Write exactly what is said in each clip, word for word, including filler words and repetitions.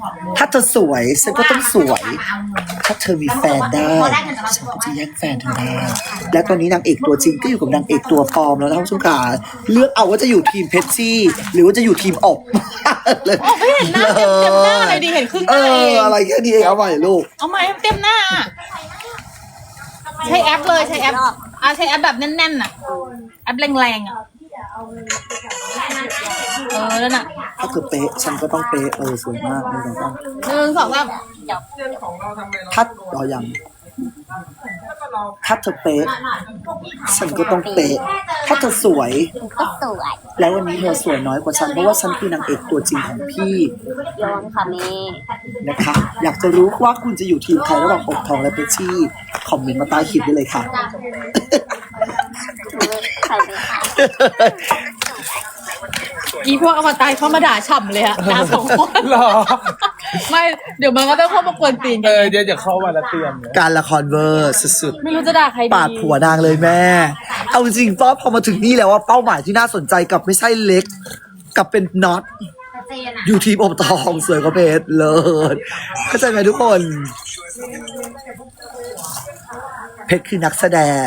ถ้าเธอสวยฉันก็ต้องสวยถ้าเธอมีแฟนได้ฉันก็จะแย่งแฟนเธอได้และตอนนี้นางเอกตัวจริงก็อยู่กับนางเอกตัวปลอมแล้วท่านผู้ชมขาเลือกเอาว่าจะอยู่ทีมเพชรซี่หรือว่าจะอยู่ทีมอบเลยไม่เห็นหน้าเต็มเต็มหน้าเลยดิเห็นครึ่งหเอน้าเออง อะไรแค่นี้เองเอาใหม่ลูกเอามาเต็มหน้า ใช้แอปเลยใช้แอปอ่ะใช้แอปแบบแน่นๆน่ะแอปแรงๆอ่ะเออแล้วน่ะถ้าเธอเป๊ะฉันก็ต้องเป๊ะเออสวยมากเลยต้องหนึ่งสองสามถ้าเรายังถ้าเธอเป๊ะฉันก็ต้องเป๊ะถ้าเธอสวยก็สวยแล้ววันนี้เธอสวยน้อยกว่าฉันเพราะว่าฉันคือนางเอกตัวจริงของพี่โยนค่ะแม่นะคะ อยากจะรู้ว่าคุณจะอยู่ทีมใครระหว่างอกทองและเพชรชี่คอมเมนต์มาใต้คลิปได้เลยค่ะใส่เลยค่ะอีพวกอวตารเข้ามาด่าฉ่ำเลยอะด่าสองคนหรอไม่เดี๋ยวมันก็ต้องเข้ามากวนตีนเอกันอเดี๋ยวจะเข้ามาแล้วเตรียมเลยการละครเวอร์สุดไม่รู้จะด่าใครดีๆปาดผัวนางเลยแม่ เอาจริงๆป้าพอมาถึงนี่แล้วว่าเป้าหมายที่น่าสนใจกับไม่ใช่เล็กกับเป็นน็อตอยู่ทีมอบทองสวยกว่าเพชรเลยเข้าใจไหมทุกคน เพชรคือนักแสดง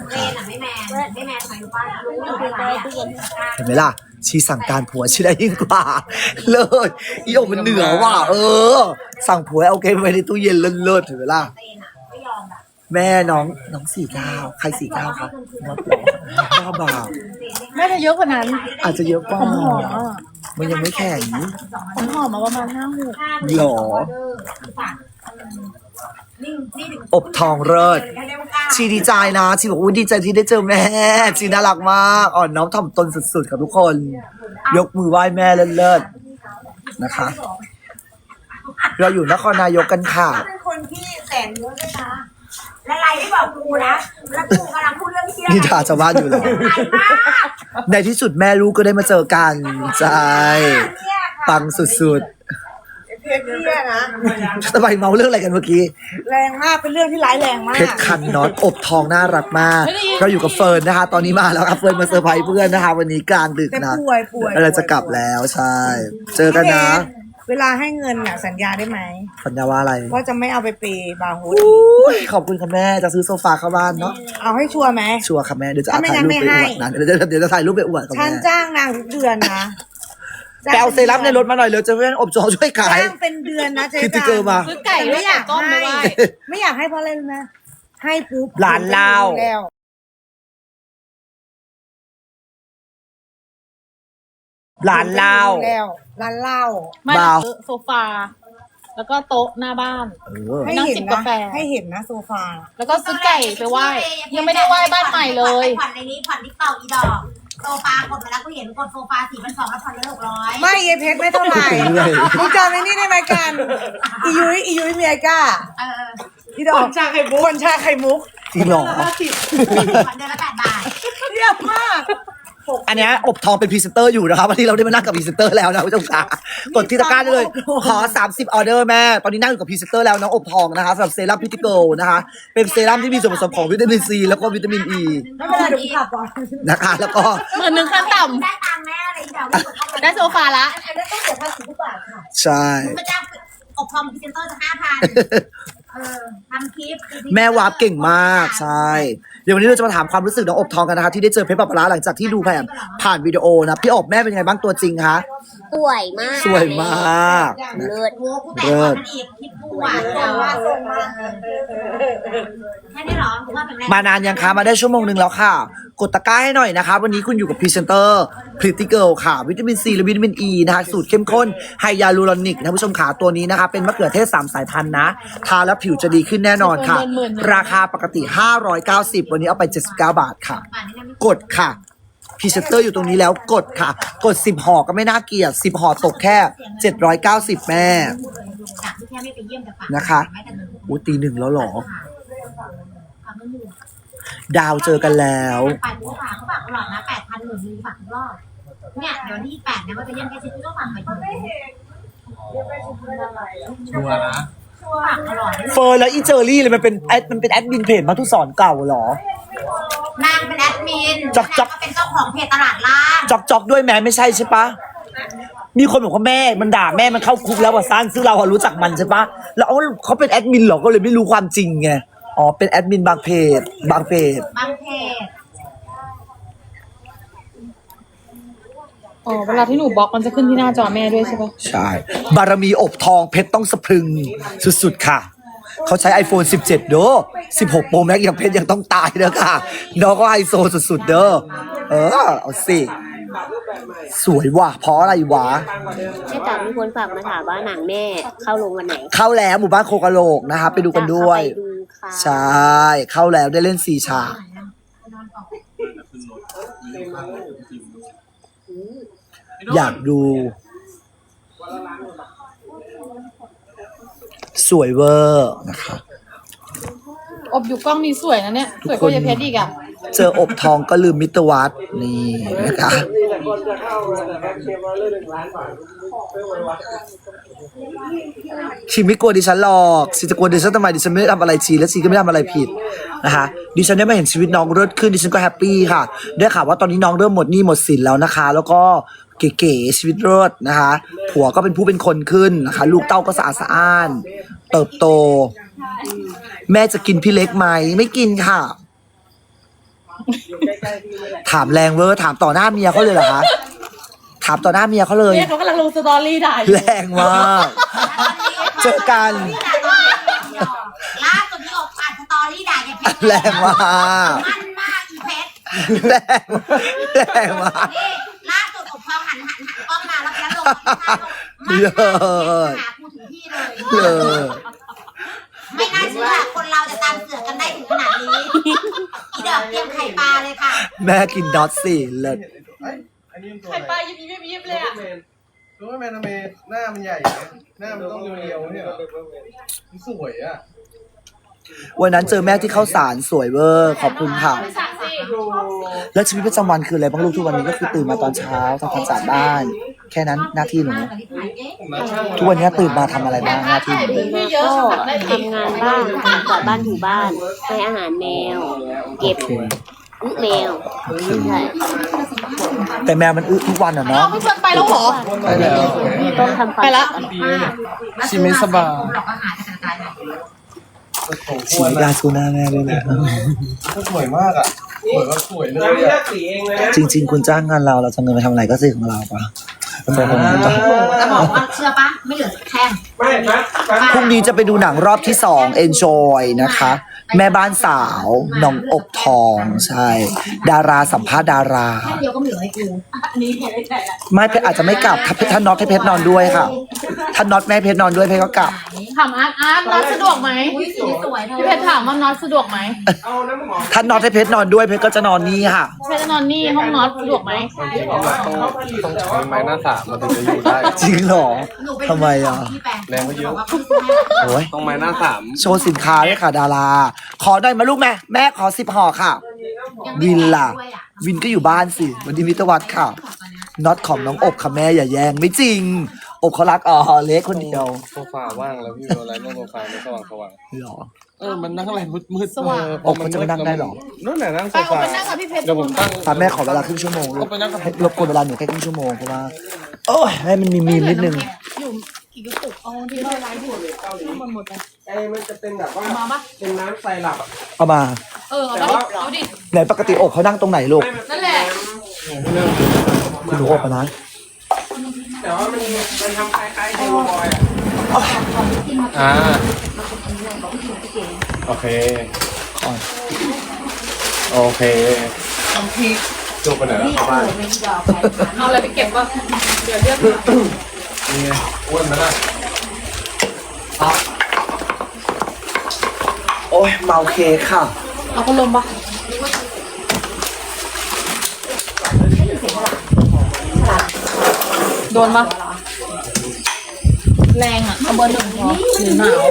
เห็นไหมล่ะ ชีสั่งการผัวชีได้ยิ่งกว่า เลยอีโอมันเหนือว่ะเออ สั่งผัวเอาเกมไว้ในตู้เย็นเลิศๆเห็นไหมล่ะ แม่น้องน้องสี่เก้าใครสี่เก้าครับน้องเหรอก้าบาทแม่จะเยอะกว่านั้นอาจจะเยอะกว่าผมหอมอ่ะมันยังไม่แข็งผมหอมมาประมาณห้าหกหรอ อบทองเลิศชีดีใจนะชีบอกว่าดีใจที่ได้เจอแม่ ชีน่ารักมาก อ่อนน้อมถ่อมตนสุดๆกับทุกคน ยกมือไหว้แม่เลิศๆนะคะ เราอยู่นครนายกกันค่ะเป็นคนที่แสนเยอะด้วยนะและไรที่บอกกูนะ แล้วกูกำลังพูดเรื่องเที่ยวนี่ด่าชาวบ้านอยู่เหรอ ในที่สุดแม่ลูกก็ได้มาเจอกันใช่ปังสุดเพชรเที่ยนะๆทำไมเมาเรื่องอะไรกันเมื่อกี้แรงมากเป็นเรื่องที่ร้ายแรงมากเพชรคันน็อตอบทองน่ารักมาก เราอยู่กับเฟิร์นนะคะ ตอนนี้มาแล้วครับเฟิร์นมาเซอร์ไพรส์เพื่อนนะคะ วันนี้กลางดึกแต่นะป่วยป่วยเราจะกลับแล้วใช่ เจอกันนะเวลาให้เงินน่ะสัญญาได้ไหมสัญญาว่าอะไรว่าจะไม่เอาไปเปย์บาร์โฮสอุ้ยขอบคุณค่ะแม่จะซื้อโซฟาเข้าบ้านเนาะเอาให้ชัวร์ไหมชัวร์ค่ะแม่เดี๋ยวจะเอาถ้าไม่ถ่ายรูปไปงั้นไม่อให้วดนะเดี๋ยวจะเดี๋ยวจะถ่ายรูปไปอวดกับฉันแม่จ้างนางทุกเดือนนะไปเอาเซรั่มในรถมาหน่อยเร็วจะเพื่อนอบจอช่วยขายจ้างเป็นเดือนนะเจ๊คิดที่เจอมาซื้อไก่ไม่อยากก้มไม่ไหวไม่อยากให้เพราะอะไรรู้ไหมให้ปุ๊บหลานเราแล้วหลานเราแล้วร้านเหล้าไม่เบาซื้อโซฟา แล้วก็โต๊ะหน้าบ้านเออให้นั่งเห็นจิบนะกาแฟให้เห็นนะโซฟาแล้วก็ซื้อไก่ไปไหว้ ยังไม่ได้ไหว้บ้านใหม่เลยผ่อนในนี้ผ่อนที่เต่าอีดอกโซฟากดไปแล้วกูเห็นกดโซฟาสี่พันสองแล้วผ่อนไปหกร้อยไม่เยเพชรไม่เท่าไหร่เรื่อยมึงจำไอ้นี่ได้ไหมกันอียุ้ยอียุ้ยเมียก้าเออที่ดอกคนชาไข่มุกคนชาไข่มุกจริงเหรอผ่อนเดือนละแปดบาทเยี่ยมมากอันเนี้ยอบทองเป็นพรีเซนเตอร์อยู่นะครับวันนี้เราได้มานั่งกับพรีเซนเตอร์แล้วนะผู้ชมค่ะกดที่ตะกร้าได้เลยขอสามสิบออเดอร์แม่ตอนนี้นั่งอยู่กับพรีเซนเตอร์แล้วน้องอบทองนะคะสำหรับเซรั่มพิติโกนะคะเป็นเซรั่มที่มีส่วนผสมของวิตามินซีแล้วก็วิตามินอีไม่เป็นไรเดี๋ยวกูกลับก่อนนะคะแล้วก็หมื่นหนึ่งขั้นต่ได้ตังค์แน่อะไรอีดอกำได้โซฟาละอันนี้ต้องเสียภาษีทุกบาทค่ะใช่พระเจ้าอบรมพรีเซนเตอร์จะห้าพันเออทำคลิปแม่วาร์ปเก่งมากใช่เดี๋ยววันนี้เราจะมาถามความรู้สึกน้องอบทองกันนะคะที่ได้เจอเพชรปะปะร้าหลังจากที่ดูผ่านผ่านวิดีโอนะพี่อบแม่เป็นยังไงบ้างตัวจริงคะสวยมากสวยมากนะเลิศโว้กูแต่ก่อนมันอีกคลิปกูอ่ะแต่ว่าส่งมาแค่นี้หรอกูว่าเป็นแรงมานานยังคะมาได้ชั่วโมงหนึ่งแล้วค่ะ กดตะกร้าให้หน่อยนะคะวันนี้คุณอยู่กับพรีเซนเตอร์พริตตี้เกิลค่ะวิตามินซีและวิตามินอ e ีนะคะสูตรเข้มข้นไฮยาลูรอนิกนะผู้ชมขาตัวนี้นะคะเป็นมะเขือเทศสามสายพันธุ์นะทาแล้วผิวจะดีขึ้นแน่นอนค่ะ ราคาปกติห้าร้อยเก้าสิบวันนี้เอาไปเจ็ดสิบเก้าบาทค่ะ กดค่ะพรีเซนเตอร์อยู่ตรงนี้แล้วกดค่ะ กดสิบห่อก็ไม่น่าเกลียดสิบห่อตกแค่เจ็ดร้อยเก้าสิบแม่จากที่แค่ไม่ไปเยี่ยมแต่ฝากนะคะอู้ตีหนึ่งแล้วเหรอ ดาวเจอกันแล้วไปกูฝากเขาฝากตลอดนะแปดพันหมื่นนึงฝากทุกรอบเนี่ยเดี๋ยววันที่แปดเนี่ยมันจะเยี่ยมแค่ชิ้นก็ฝากไปถึงชัวร์นะฝากตลอดเฟิร์นแล้วอีเจอรี่เลยมันเป็นแอดมันเป็นแอดมินเพจมาทุกสอนเก่าเหรอนางเป็นแอดมินจ๊อกจ๊อกนางก็เป็นเจ้าของเพจตลาดล่างจอกจอกด้วยแม้ไม่ใช่ใช่ปะมีคนบอกว่าแม่มันด่าแม่มันเข้าคุกแล้วว่าสร้างซึ่งเราอะรู้จักมันใช่ปะแล้วเอาเขาเป็นแอดมินเหรอก็เลยไม่รู้ความจริงไงอ๋อเป็นแอดมินบางเพจบางเพจบางเพจอ๋อเวลาที่หนูบล็อกมันจะขึ้นที่หน้าจอแม่ด้วยใช่ปะใช่บารมีอบทองเพชรต้องสะพรึงสุดๆค่ะเขาใช้ iPhone สิบเจ็ดเด้อสิบหก Pro Max ยังเพชรยังต้องตายเด้อค่ะน้องก็ไฮโซสุดๆเด้อเออเอาสิสวยว่ะเพราะอะไรวะแม่จ๋ามีคนฝากมาถามว่าหนังแม่เข้าโรงวันไหนเข้าแล้วหมู่บ้านโคกะโหลกนะคะไปดูกันด้วยจะเข้าไปดูค่ะใช่เข้าแล้วได้เล่นสี่ฉากอยากดู สวยเวอร์นะคะอบอยู่กล้องนี้สวยนะเนี่ยสวยกว่ายายเพชรอีกอ่ะเจออบทองก็ลืมมิตรวัดนี่นะคะชีไม่กลัวดิฉันหรอกชีจะกลัวดิฉันทำไมดิฉันไม่ได้ทำอะไรชีและชีก็ไม่ได้ทำอะไรผิดนะคะดิฉันได้มาเห็นชีวิตน้องเริ่มขึ้นดิฉันก็แฮปปี้ค่ะได้ข่าวว่าตอนนี้น้องเริ่มหมดหนี้หมดสินแล้วนะคะ แล้วก็เก๋ๆชีวิตเลิศนะคะผัวก็เป็นผู้เป็นคนขึ้นนะคะลูกเต้าก็สะอาดสะอ้านเติบโต แม่จะกินพี่เล็กไหมไม่กินค่ะ ถามแรงเวอร์ถามต่อหน้าเมียเขาเลยเหรอคะถามต่อหน้าเมียเขาเลยเนี่ยเขากำลังลงสตอรี่ด่าอยู่แรงมากเจอกันล่าสุดที่ออกอ่านสตอรี่ด่ายายเพชรแรงมากมันมากอีเพชรแรงแรงมากนี่ล่าสุดอบทองหันหันหันกล้องมาแล้วแล้วลงมันเลิมากศหากูถึงที่เลยเลิศไม่น่าเชื่อคนเราจะตามเสือกันได้ถึงขนาดนี้อีดอกเตรียมไข่ปลาเลยค่ะแม่กินดอทสี่เลิศใครไปยิบยิบยิบเลยอ่ะรู้ไหมแมนทำไมหน้ามันใหญ่นะหน้ามันต้องเรียวๆเนี่ยมันสวยอ่ะวันนั้นเจอแม่ที่เข้าสารสวยเวอร์ขอบคุณค่ะไม่สั่งสิแล้วชีวิตประจำวันคืออะไรบ้างลูกทุกวันนี้ก็คือตื่นมาตอนเช้าทำความสะอาดบ้าน แค่นั้นหน้าที่หนูทุกวันนี้ตื่นมาทำอะไรบ้างหน้าที่หนูไม่เยอะก็ทำได้ดีทำงานบ้านทำกวาดบ้านถูบ้านให้อาหารแมว เก็บอึแมวใช่แต่แมวมันอึทุกวันอ่ะน้อเนาะงพี่เฟิร์นไปแล้วเหรอไปแล้วต้องทำความไปละชิไม่สบายสีดาซูหน้าแม่ด้วยนะสวยมากอ่ะสวยก็สวยเลยอ่ะจริง ๆ คุณจ้างงานเราเราจะเงินไปทำอะไรก็ซื้อของเราปะเป็นแบบนั้นปะจะบอกว่าเชื่อปะไม่เหลือสักแท่งพรุ่งนี้จะไปดูหนังรอบที่สอง Enjoy นะคะ แม่บ้านสาวน้องอบทองใช่ ดาราสัมภาษณ์ดาราเดียวก็ไม่เหลือให้กูอันนี้แค่ได้แต่ละไม่เพชรอาจจะไม่กลับถ้าถ้าน็อตให้เพชรนอนด้วยค่ะ ถ้าน็อตแม่ให้เพชรนอนด้วยเพชรก็กลับถามอาร์ตอาร์ตน็อตสะดวกไหมอุ้ยสีสวยเธอพี่เพชรถามว่าน็อตสะดวกไหมถ้าน็อตให้เพชรนอนด้วยเพชรก็จะนอนนี่ค่ะเพชรจะนอนนี่ห้องน็อตสะดวกไหมต้องใช้ไม้หน้าสามมันถึงจะอยู่ได้จริงเหรอทำไมอ่ะแรงก็เยอะโอ้ยต้องไม้หน้าสามโชว์สินค้าด้วยค่ะดารา ขอได้มาลูกแม่แม่ขอสิบห่อค่ะ วินล่ะ วินก็อยู่บ้านสิวันนี้มิตรวัดค่ะน็อตของน้องอบค่ะแม่อย่าแย่งไม่จริง อบเขารักอ๋อเล็กคนเดียวโซฟาว่างแล้วพี่อะไรนั่งโซฟาไม่สว่างสว่างเหรอเออมันนั่งอะไรมืดมืดอบเขาจะไม่นั่งได้หรอนั่นแหละนั่งโซไปเอาฟาไปนั่งกับพี่เพชรเดี๋ยวผมตั้งตามแม่ขอเวลาครึ่งชั่วโมงลูกเอาไปนั่งกับให้รบกวนเวลาหนูแค่ครึ่งชั่วโมงเพราะว่าโอ้ยให้มันมีมีมนิดนึงอยู่กี่กระปุกเอาที่เราไลฟ์อยู่ทั้งหมดหมดเลยไอ้มันจะเป็นแบบว่ามาปะเป็นน้ำไซรัปอ่ะเอามาเออเอาปะเอาดิไหนปกติอบเขานั่งตรงไหนลูกนั่นแหละคุณหนูอบอะนะแต่ว่ามันมันทำคล้ายๆเฮลบอยอ่ะอ่าโอเคก่อนโอเคจูบไปไหนแล้วเข้าบ้านเอาอะไรไปเก็บวะเดี๋ยวเรียกนี่ไงอ้วนไหมล่ะโอ้ยเมาเค้กค่ะเอาพัดลมปะโดนปะแรงอ่ะเอาเบอร์หนึ่งพอหรือหนาว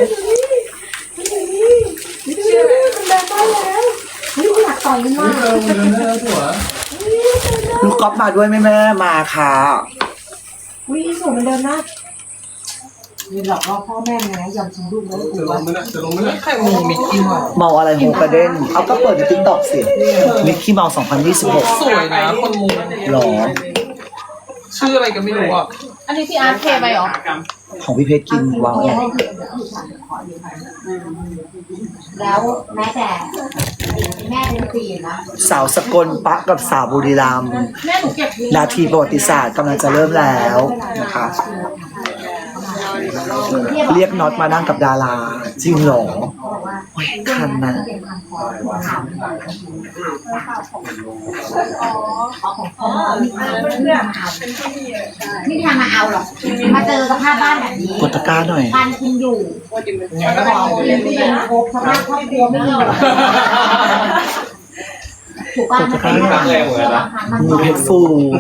ลูกก๊อฟมาด้วยไหมแม่มาค่ะวิ่งสูงเหมือนเดิมนะมีหลอกล่อพ่อแม่ไงยอมทิ้งลูกแล้วจะลงไหมล่ะจะลงไหมล่ะใครมีมิกกี้มาเมาอะไรโฮกระเด้นเอาก็เปิดในติ๊กต็อกสิมิกกี้เมาสองพันยี่สิบหกสวยนะคนมูหรอชื่ออะไรกันไม่รู้อ่ะอันนี้พี่อาร์ตเทไปเหรอของพี่เพชรกินว้าวแล้วแม้แต่แม่เป็นสี่นะสาวสกลปะกับสาวบุรีรัมย์แม่หนูเก็บนาทีประวัติศาสตร์กำลังจะเริ่มแล้วนะคะเรียกน็อตมานั่งกับดาราจริงเหรอโอ้ยคันนะนี่ทางมาเอาหรอกมาเจอสภาพบ้านแบบนี้กดตะกร้าหน่อยการกินอยู่บอกเลยไม่เป็นโคกสภาพครอบครัวไม่ดีหรอกถูกป่ะมันเป็นแบบนี้มือเพชรฟู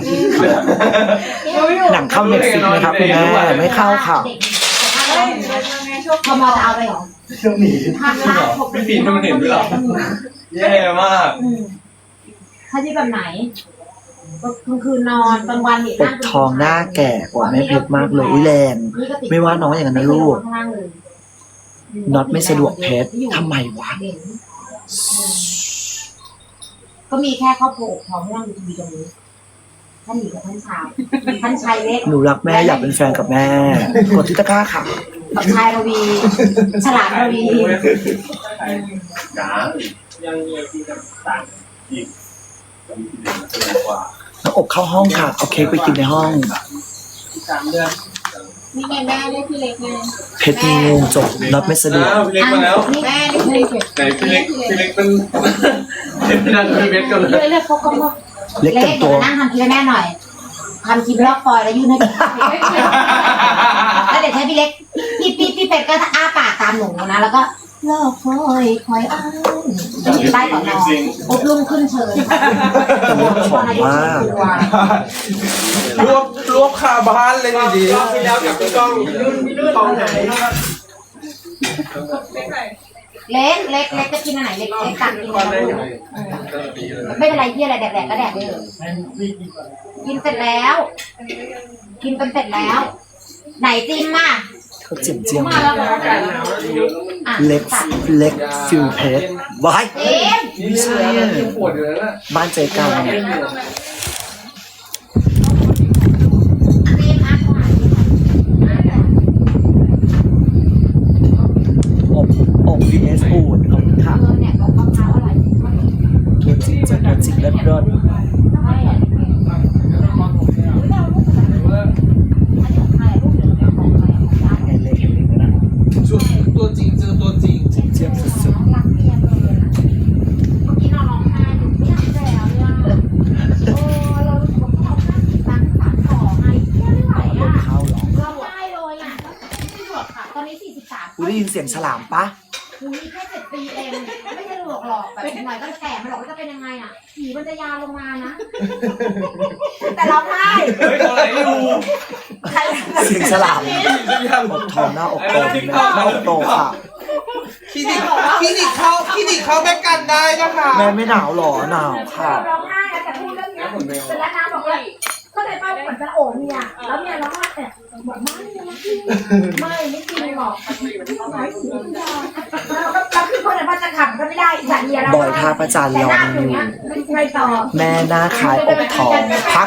หนังเข้าเน็ตฟลิกซ์ไหมครับคุณแม่ไม่เข้าค่ะพอมาจะเอาไปหรอเครื่องหนีทางร้านผมพี่ปีนมันเห็นด้วยหรอแย่มากถ้าที่แบบไหนก็กลางคืนนอนกลางวันเนี่ยปกทองหน้าแก่กว่าแม่เพชรมากเลยอุ๊ยแรงไม่ว่าน้องอย่างนั้นนะลูกน็อตไม่สะดวกเพชรทำไมวะก็มีแค่ครอบครัวพร้อมนั่งดูทีวีตรงนี้ท่านหญิงกับท่านชายท่านชายเล็กหนูรักแม่อยากเป็นแฟนกับแม่ กดที่ตะกร้าค่ะกับชายระวี ฉลาดระวีจ๋ายังยังที่ต่างอีกกว่าน้องอบเข้าห้องค่ะเอาเค้กไปกินในห้องสามเดือนนี่ไงแม่เรียกพี่เล็กไงเพชรมีงูจบน็อตไม่สะดวกอ้าวพี่เล็กมาแล้วแม่เรียกพี่เล็กไหนพี่เล็กพี่เล็กเป็นเห็นนั่งพี่เล็กกันเลยเรียกเรียกเขาก็มาเล็กเล็แต่กงเดี๋ตัยว วนั่งทำคลิปให้แม่หน่อยทำคลิปลอกฟอยแล้วยื่นให้พี่แล้วเดี๋ยวใช้พี่เล็กพี่พี่พี่เป็ดก็อ้าปากตามหนูนะแล้วก็ลอกฟอยคอยอ้างใต้ก่อนนอนปุ๊บลุ่มขึ้นเชิญแต่เล็กผอมมากรวบรวบคาบ้านเลยดีรอบที่แล้วกับพี่ก้องกองไหนเล็กเล็กเล็กจะกินอันไหนเล็กเล็กตักกินอะไรไม่เป็นไรที่อะไรแดกแดกก็แดกไปเลยกินเสร็จแล้ว กินเป็นเสร็จแล้ว ไหนจิมอ่ะเขาเจียมเจียมมาแล้วก็ไก่อ่ะเล็กเล็กฟิลเพชรบายจิมไม่ใช่อะปวดอยู่แล้วนะบ้านใจกลางจิมอ่ะอบอบ วี เอส อูดขอบคุณค่ะเออเนี่ยบอกมะพร้าวอร่อยตัวจริงจะตัวจริงเลิศเลิศใช่อ่ะอันนี้ของใครลูกเหลืองของใครของร้านไงเล็กเห็นเล็กนะชุดตัวจริงเจอตัวจริงเจียมเจียมสุดน้องรักเมียเลยเมื่อกี้นอนร้องไห้อยู่ไม่อยากแล้วเนี่ยโอ้เรารู้สึกว่าเราห้าสิบตังค์สามสองไงไม่ไหวๆลอ่ะงเข้าเหรอร้องไห้เลยอ่ะตอนนี้สี่สิบสามกูได้ยินเสียงฉลามปะคุยแค่เจ็ดปีเอง ไม่ใช่หลอกหลอกแบบหน่อยก็จะแก่ไม่หรอกว่าจะเป็นยังไงอ่ะผีมันจะยาวลงมานะ แต่ร้องไห้เฮ้ยอะไรอยู่เสียงฉลามอบทองหน้าอกโตหน้าอกโตค่ะคลินิกคลินิกเข้าคลินิกเข้าแม่กันได้นะคะแม่ไม่หนาวหรอหนาวค่ะร้องไห้นะแต่พูดเรื่องนี้เป็นแล้วนะบอกว่าก็เลยเป้าเหมือนจะโอบเมียแล้วเมียร้องไห้แต่บอกไม่ไม่ไม่จริงหรอกแล้วคือคนไหนว่าจะขับก็ไม่ได้ฉันเมียเราบอยท่าประจันรอมันอยู่ไงต่อแม่หน้าคล้ายอบทองพัก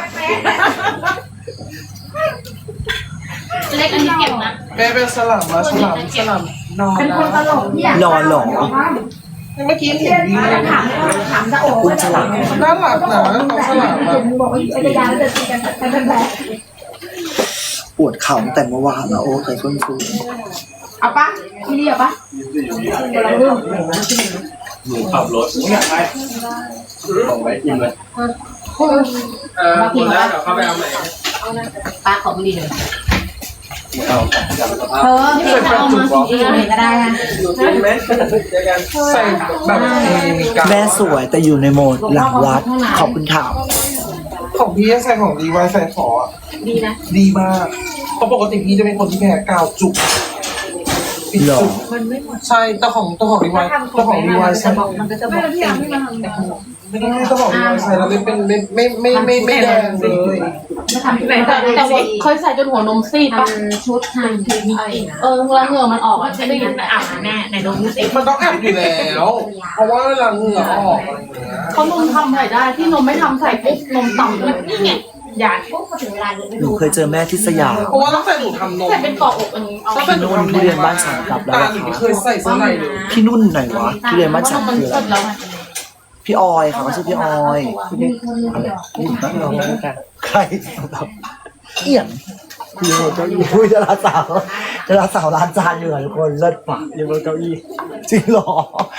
เล็กอันนี้เก็บนะแม่เป็นสลับมาสลับสลับนอนเป็นคนตลกที่อยากนอนหรอเมื่อกี้เห็นดีถามถามจะโอบคุณฉลามน่ารักนะน้องสลับอะบอกว่าไอ้ยาจะตีกันแต่เป็นแบบปวดเข่าตั้งแต่เมื่อวานแล้วโอ้เคยส้นฟูเอาปะที่นี่เอาปะเราเรื่องหนูขับรถอยากไปของไว้กินเลยเออหมดแล้วเดี๋ยวเข้าไปเอาใหม่ปาของไม่ดีเลยเอาจับสภาพเธอเด็กจะเอามากินเองก็ได้นะใช่ไหมเจอกันใส่แบบมีกาแม่สวยแต่อยู่ในโหมดหลังวัดขอบคุณค่ะของพี่ใส่ของดีไวใส่ขอดีนะดีมากเพราะปกติพี่จะเป็นคนที่แพ้กาวจุกหรอใช่แต่ของตัวของดีไวตัวของดีไวใส่มันก็จะบอกเต็มไม่ได้ตัวของดีไวใส่แล้วเป็นไม่ไม่ไม่ไม่ไม่แดงเลยไม่ทำที่ไหนแต่แต่ว่าเคยใส่จนหัวนมซีดปะทำชุดทำคือมีอะไรนะเออเวลาเหงื่อมันออกอ่ะจะได้ยินแต่อ่ะแม่ไหนนมซีดมันต้องแอบอยู่แล้ว เพราะว่าเวลาเหงื่อออกอะไรอย่างเงี้ยเขานมทำใส่ได้ที่นมไม่ทำใส่ปุ๊บนมต่ำเลยนี่ไงหยาดปุ๊บพอถึงเวลาเดินไปหนูดูเคยเจอแม่ที่สยามเพราะว่าตั้งแต่หนูทำนมแต่เป็นเกาะอกอันนี้เอาตั้งแต่หนูนุ่นทำนทุมเรียนบ้านฉันกลับแล้วตาอะหนูไม่ค่ะเคยใส่เสื้อในเลยพี่นุ่นไหนวะทุเรียนบ้านฉันมันคือสอะไรดแล้วไงพี่ออยค่ะเขาชื่อพี่ออยอะไรนี่บ้านเราใครเอี่ยมพี่โมเก้าอี้คุยจะรักสาวจะรักสาวร้านจานอยู่หลายคนเลิศปะยังบนเก้าอี้จริงเหรอ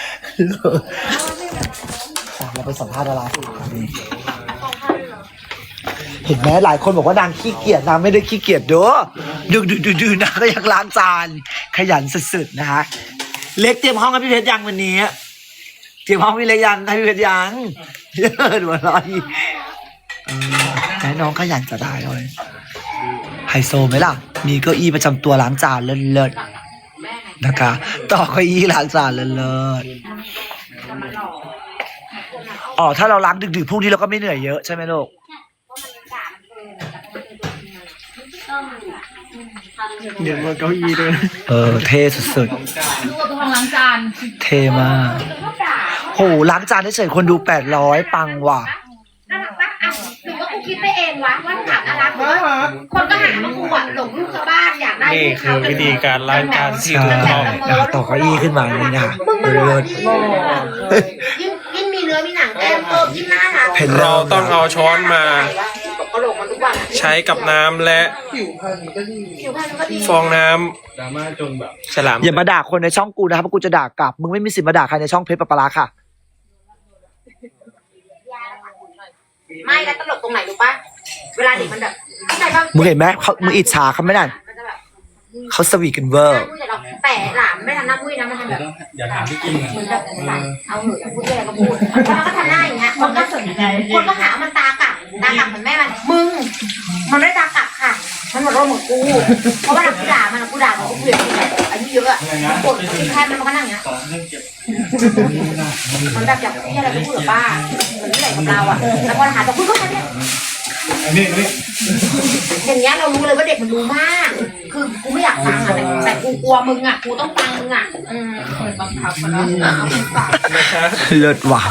เราไปสัมภาษณ์ดาราสิเห็นไหมหลายคนบอกว่านางขี้เกียจนางไม่ได้ขี้เกียจเด้อดึกดึกดึกดึกนางก็ยังล้างจานขยันสุดๆนะคะเล็กเตรียมห้องให้พี่เพชรยังวันนี้เตรียมห้องพี่เล็กยังให้พี่เพชรยังเยอะดูอะไรให้น้องขยันจะได้เลยไฮโซไหมล่ะมีเก้าอี้ประจำตัวล้างจานเลิศๆนะคะต่อเก้าอี้ล้างจานเลิศๆอ๋อถ้าเราล้างดึกๆพวกนี้เราก็ไม่เหนื่อยเยอะใช่ไหมลูกเดี๋ยวมาเก้าอี้ด้วยเออเท่สุดดูกับทางล้างจานๆเท่มากโหล้างจานเฉยๆคนดูแปดร้อยปังว่ะน่ารักปะอ่ะหรือว่ากูคิดไปเองวะว่าถามน่ารักหรือว่าคนก็หาว่ากูอ่ะหลงลูกชาวบ้านอยากได้นี่ลูกคืเขาอวิธีการล้างจานที่ใช่ถูกต้องนะคะต่อเก้าอี้ขึ้นมาอย่างนี้นะมึงมาหลเลิอกศดิยิ่งยิ่งมีเนื้อมีหนังแก้มเพิ่มยิ่งน่ารักเห็นเราต้องเอาช้อนมาตกกระโหลกมันทุกวันอะใช้กับน้ำและผิวพรรณก็ดีผิวพรรณมันก็ดีฟองน้ำดราม่าจนแบบฉลามอย่ามาด่าคนในช่องกูนะครับเพราะกูจะด่ากลับมึงไม่มีสิทธิ์มาด่าใครในช่องเพชรปะปะลาค่ะไม่แล้วตลกตรงไหนรู้ปะเวลาเด็กมันแบบเข้าใจปะมึงเห็นไหมเขามึงอิจฉาเขาไหมนั่นมันจะแบบเขาสวีทกันเวอหน้าร์มุ้ยแต่เราแต่หลานไม่ทำหน้ามุ้ยนะมันทำแบบอย่าถามพี่กินเหมือนแบบเอาเหอะพูดอะไรก็พูดแล้วมันก็ทำหน้าอย่างเงี้ยคนก็สนใจคนก็หาว่ามันตากลับตากลับเหมือนแม่มันมึงมันไม่ได้ตากลับค่ะ มันหมดโรคเหมือนกูเพราะว่าหลังกูด่ามันกูด่ามันกูเปลี่ยนแบบอายุเยอะอะกดแทนมันมันก็นั่งอย่างเงี้ยมันแบบอยากพี่อะไรก็พูดกับป้าเหมือนที่ไหนกับเราอะแล้วพอหาตัวคุณก็ทำเนี่ยอย่างเงี้ยเรารู้เลยว่าเด็กมันรู้มาก คือกูไม่อยากฟังอะแต่แต่กูกลัวมึงอะกูต้องฟังมึงอะอืมบังคับนะเลิศว่ะ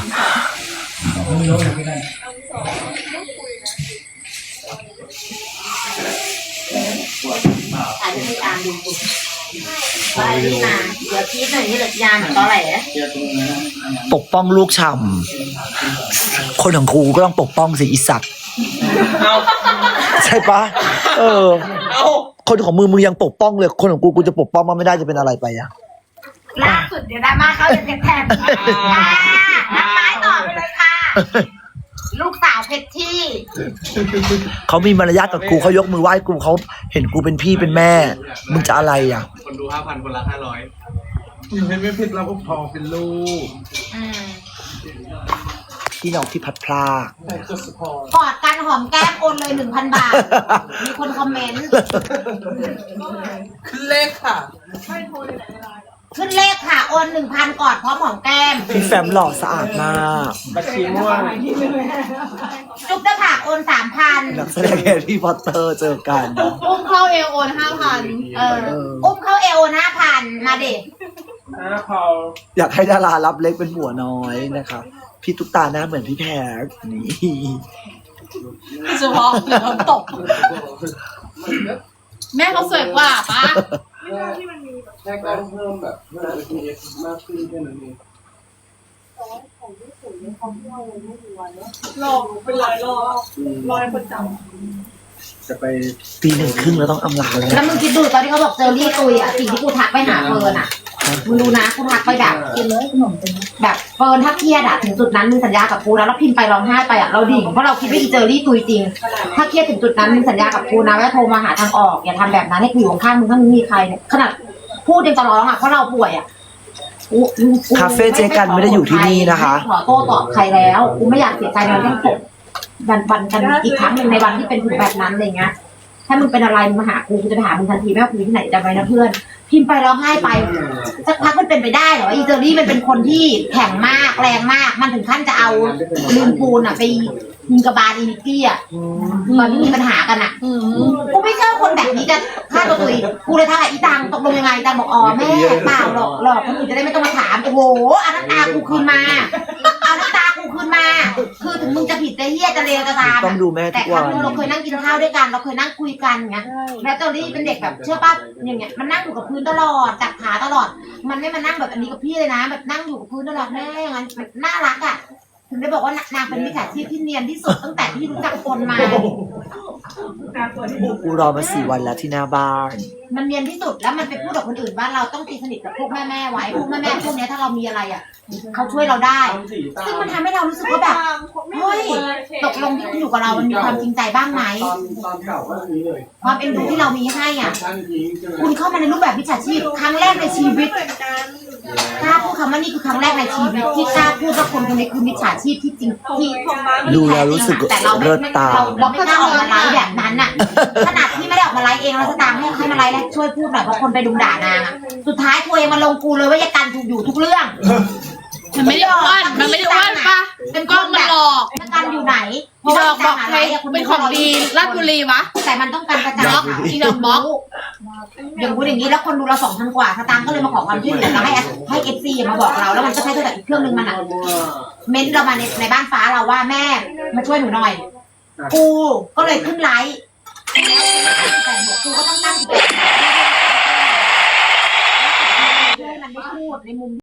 ถ่ายให้อ่านดูไปนี่นะเดี๋ยวพีทหน่อยนี่เหลือยาเหมือนตอแหลปกป้องลูกช่ำคนของกูก็ต้องปกป้องสิอีสัตว์ใช่ปะเออคนของมึงมึงยังปกป้องเลยคนของกูกูจะปกป้องมันไม่ได้จะเป็นอะไรไปอะล่าสุดเดี๋ยวดราม่าเขาจะแทนอ่านักไม้ต่อไปเลยค่ะ ลูกสาวเพชรที่เขามีมารยาทกับกูเขายกมือไหว้กูเขาเห็นกูเป็นพี่เป็นแม่ มึงจะอะไรอ่ะคนดูห้าพันคนละห้าร้อยอยู่ให้ไม่ผิดเราก็พอเป็นลูกอืมพี่น้องที่พัดพลากแต่จะสปอร์ตกอดกันหอมแก้มโอนเลยหนึ่งพันบาท มีคนคอมเมนต์ขึ้นเลขค่ะขึ้นเลขค่ะ โอนหนึ่งพันกอดพร้อมหอมแก้มพี่แฟมหล่อสะอาดมากบัญชีม่วงจุ๊บเด้อค่ะโอนสามพันนักแสดงแฮร์รี่พอตเตอร์เจอกันอุ้มเข้าเอวโอนห้าพันเอออุ้มเข้าเอโอนห้าพันมาเด็กห้าพออยากให้ดารารับเล็กเป็นหัวน้อยนะครับพี่ตุ๊กตาหน้าเหมือนพี่แพรนี่เฉพาะเดี๋ยวเขาตก แม่เขาสวยกว่าปะแค่การเพิ่มแบบเพิ่ม พี เอส มากขึ้นแค่นั้นเองหลอกเป็นร้อยรอบร้อยประจจะไปปีหนึ่งครึ่งแล้วต้องอำลาแล้วแล้วมึงคิดดูตอนที่เขาบอกเจอรี่ตุยอ่ะสิ่งที่กูทักไปหาเฟิร์นอ่ะมึงดูนะกูทักไปแบบกินเลยขนมแบบเฟิร์นถ้าเครียดอ่ะถึงจุดนั้นมึงสัญญากับกูนะแล้วพิมพ์ไปร้องไห้ไปอ่ะเราดิ่งเพราะเราคิดว่าอีเจอรี่ตุยจริง ถ้าเครียดถึงจุดนั้นมึงสัญญากับกูนะว่าโทรมาหาทางออกอย่าทำแบบนั้นให้กูอยู่ข้างมึงถ้ามึงมีใครเนี่ยขนาดพูดยังจะร้องอ่ะเพราะเราป่วยอ่ะกูกูคาเฟ่เจ๊กันไม่ได้อยู่ที่นี่นะคะไม่ขอโต้ตอบใครแล้วกูไม่อยากเสียใจในเรื่องผมวันวันกันอีกครั้งหนึ่งในวันที่เป็นถึงแบบนั้นอะไรเงี้ยถ้ามึงเป็นอะไรมึงมาหากูกูจะไปหามึงทันทีไม่ว่ากูอยู่ที่ไหนจำไว้นะเพื่อนพิมพ์ไปร้องไห้ไปสักพักมันเป็นไปได้เหรออีเจอรี่มันเป็นคนที่แข็งมากแรงมาก มันถึงขั้นจะเอาลืมปูนอ่ะไปยิงกระบาลอีนิกกี้อ่ะตอนที่มีปัญหากันอ่ะำอืมกูไม่เชื่อคนแบบนี้จะฆ่าตัวตุยกูเลยทักหาอีตังตกลงยังไงตังบอกอ๋อแม่เปล่าหรอกหรอกคนอื่นจะได้ไม่ต้องมาถามโอ้โหเอาน้ำตากูคืนมาเอาน้ำตากูขึ้นมา คือถึงมึงจะผิดจะเหี้ยจะเลวจะตามต้องดูแม่ทุแต่กควัรั้งนนึงเราเคยนั่งกินข้าวด้วยกัน เราเคยนั่งคุยกันอย่างเงี้ยแล้วตอนนี้เป็นเด็กแบบเชื่อป่ะอย่างเงี้ยมันนั่งอยู่กับพื้นตลอดจับขาตลอด มันไม่มานั่งแบบอันนี้กับพี่เลยนะแบบนั่งอยู่กับพื้นตลอดแม่อย่างนั้นแบบน่ารักอ่ะถึงได้บอกว่านางเป็นมิจฉาชีพที่เนียนที่สุดตั้งแต่ที่รู้จักคนมากูรอมาสี่วันแล้วที่หน้าบ้านมันเนียนที่สุดแล้วมันไปพูดกับคนอื่นว่าเราต้องตีสนิทกับพวกแม่แม่ๆไว้พวกแม่แม่ๆพวกเนี้ยถ้าเรามีอะไรอ่ะเขาช่วยเราได้ ซึ่งมันทำให้เรารู้สึกว่าแบบเฮ้ยตกลงที่คุณอยู่กับเรามันมีความจริงใจบ้างไหมตอนตอนเก่าก็นี้เลยความเอ็นดูที่เรามีให้อ่ะท่านทิ้งใช่ไหมคุณเข้ามาในรูปแบบวิชาชีพครั้งแรกในชีวิตกล้าพูดคำว่านี่คือครั้งแรกในชีวิตที่กล้าพูดว่าคนคนนี้คือมิจฉาชีพที่จริงที่ดูแล้วรู้สึกแต่เราไม่เลิศตาเราเราไม่กล้าออกมาไลฟ์แบบนั้นน่ะขนาดที่ไม่ได้ออกมาไลฟ์เองเราจะตามให้ให้มาไลฟ์แล้วช่วยพูดหน่อยเพราะคนไปดุมด่านางอะสุดท้ายทัวร์ยังมาลงกูเลยว่ายากันถูกอยู่ทุกเรื่องมันไม่ได้อ้วนมันไม่ได้อ้วนปะเป็นกล้องมันหลอกยากันอยู่ไหนอีดอกบอกใครเป็นของดีราชบุรีวะแต่มันต้องการกระจายบล็อกอีดอกบล็อกอย่างพูดอย่างนี้แล้วคนดูเราสองพันกว่าสตางค์ก็เลยมาขอความช่วยเหลือแล้วให้ให้เอฟซีมาบอกเราแล้วมันก็ใช้โทรศัพท์อีกเครื่องนึงมันอ่ะเม้นเรามาในในบ้านฟ้าเราว่าแม่มาช่วยหนูหน่อย กูก็เลยขึ้นไลฟ์แต่กูก็ต้องตั้งใจให้มันได้พูดในมุม